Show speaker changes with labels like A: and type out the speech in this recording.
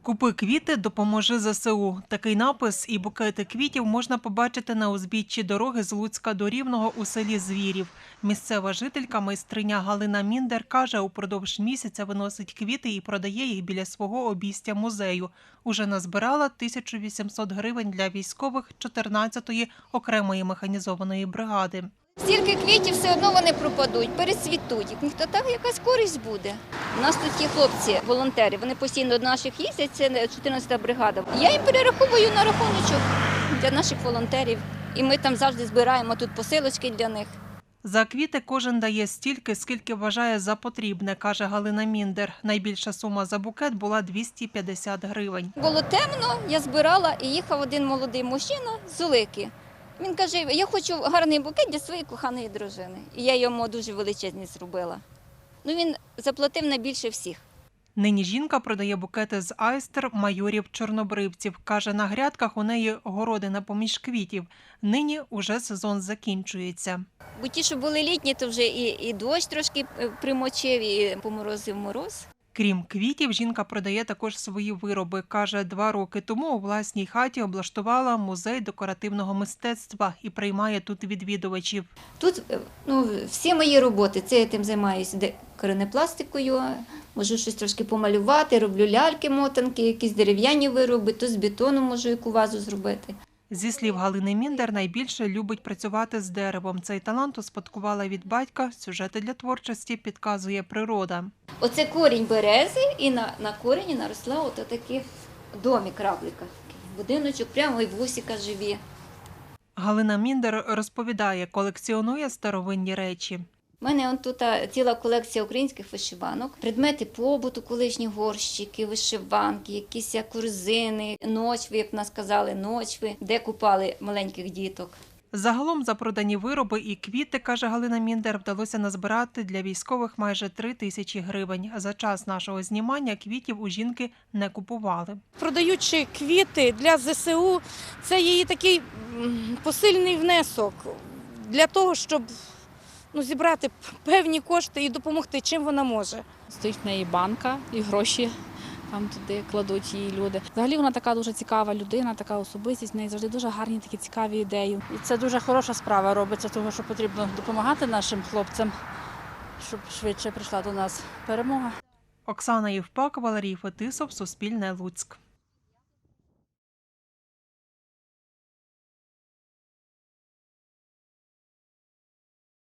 A: Купи квіти, допоможи ЗСУ. Такий напис і букети квітів можна побачити на узбіччі дороги з Луцька до Рівного у селі Звірів. Місцева жителька, майстриня Галина Міндер, каже, упродовж місяця виносить квіти і продає їх біля свого обійстя музею. Уже назбирала 1800 гривень для військових 14-ї окремої механізованої бригади.
B: Стільки квітів, все одно вони пропадуть, перецвітуть. Ніхто так якась користь буде. У нас тут є хлопці, волонтери, вони постійно до наших їздять, це 14-та бригада. Я їм перераховую на рахуночок для наших волонтерів. І ми там завжди збираємо тут посилочки для них.
A: За квіти кожен дає стільки, скільки вважає за потрібне, каже Галина Міндер. Найбільша сума за букет була 250 гривень.
B: Було темно, я збирала і їхав один молодий мужчина з Улики. Він каже, я хочу гарний букет для своєї коханої дружини. І я йому дуже величезний зробила. Він заплатив найбільше всіх.
A: Нині жінка продає букети з айстер майорів-чорнобривців. Каже, на грядках у неї городина поміж квітів. Нині уже сезон закінчується.
B: Бо ті, що були літні, то вже і дощ трошки примочив, і поморозив мороз.
A: Крім квітів, жінка продає також свої вироби. Каже, 2 роки тому у власній хаті облаштувала музей декоративного мистецтва і приймає тут відвідувачів.
B: Тут всі мої роботи, це я тим займаюся коренепластикою, можу щось трошки помалювати, роблю ляльки-мотанки, якісь дерев'яні вироби, то з бетону можу яку вазу зробити.
A: Зі слів Галини Міндер, найбільше любить працювати з деревом. Цей талант успадкувала від батька. Сюжети для творчості підказує природа.
B: Оце корінь берези, і на корені наросла отакий домик равлика. Будиночок, прямо і вусика живі.
A: Галина Міндер розповідає, колекціонує старовинні речі.
B: У мене тут ціла колекція українських вишиванок, предмети побуту, колишні горщики, вишиванки, якісь корзини, ночви, як в нас казали, ночви, де купали маленьких діток.
A: Загалом за продані вироби і квіти, каже Галина Міндер, вдалося назбирати для військових майже 3000 гривень. За час нашого знімання квітів у жінки не купували.
C: Продаючи квіти для ЗСУ, це її такий посильний внесок для того, щоб зібрати певні кошти і допомогти, чим вона може.
D: Стоїть в неї банка і гроші там туди кладуть її люди. Взагалі вона така дуже цікава людина, така особистість, в неї завжди дуже гарні такі цікаві ідеї.
E: І це дуже хороша справа робиться, тому що потрібно допомагати нашим хлопцям, щоб швидше прийшла до нас перемога.
A: Оксана Євпак, Валерій Фетисов, Суспільне, Луцьк.